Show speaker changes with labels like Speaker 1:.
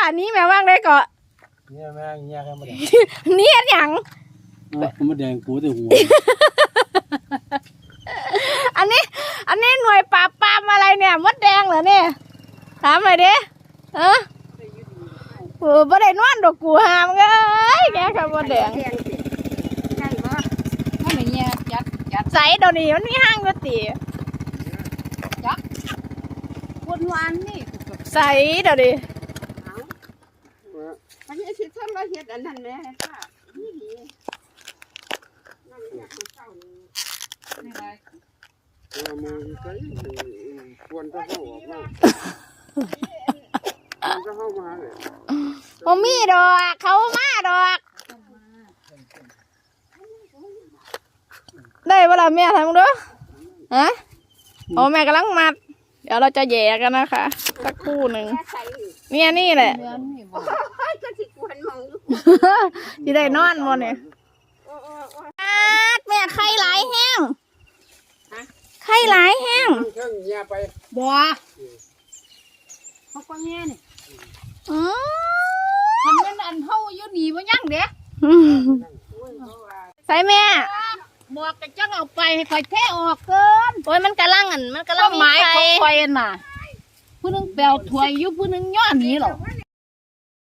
Speaker 1: นี้แม่ว่างได้ก็
Speaker 2: เนี่ยแม่เนี่ยแค่มาแดง
Speaker 1: นี่หยัง
Speaker 2: มาแดงกูแต่หัว
Speaker 1: อันนี้หน่วยปราบปรามอะไรเนี่ยมดแดงเหรอเนี่ยถามหน่อยดิบ่ได้นอนดอกกูหามเอ้ยแกค่ะมดแดง
Speaker 3: ใช่ปะไม่เหมือนเนี่ยยัด
Speaker 1: ใส่เดี๋ยวนี้มันมีห้างก๋วยเตี๋ยว
Speaker 3: วนวันนี่
Speaker 1: ใส่เดี๋ยวนี้
Speaker 3: อันนี้สิทำเราเฮ็ดอันนั้นแม่ค่ะนี่ดีนั่นอยากเศร้านี่ไร
Speaker 2: มือใส่ควรจะเข้าออกมาจะเข้ามาเลย
Speaker 1: บ่มีดอกเขามาดอกได้เวลาแม่ทำดูฮะโอ้แม่กำลังมัดเดี๋ยวเราจะแย่กันนะคะสักครู่หนึ่งเนี่ยนี่แหละ
Speaker 3: เดือนนี่บ่ก็สิควรมองดู
Speaker 1: ที่ได้นอนหมดเนี่ยแม่ไข่หลายแห้งไข่หลายแห้ง
Speaker 2: เครื่องเงียไป
Speaker 3: บ่เขาก็แง่นี่
Speaker 1: อืม
Speaker 3: ทำนั้นอันเฮาอยู่นี่บ่ยังเด้
Speaker 1: ใส่แม่
Speaker 3: บอกกันจังเอาไปให้ข่อยแท้ออกเกิน
Speaker 1: โอ้ยมันกำลังอันมันกำลั
Speaker 3: ก็
Speaker 1: ง
Speaker 3: หมาย
Speaker 1: ไข่
Speaker 3: ของข่อยน่ะผู้นึงแปลวถวยอยู่ผู้นึงย้อนหนีหรอ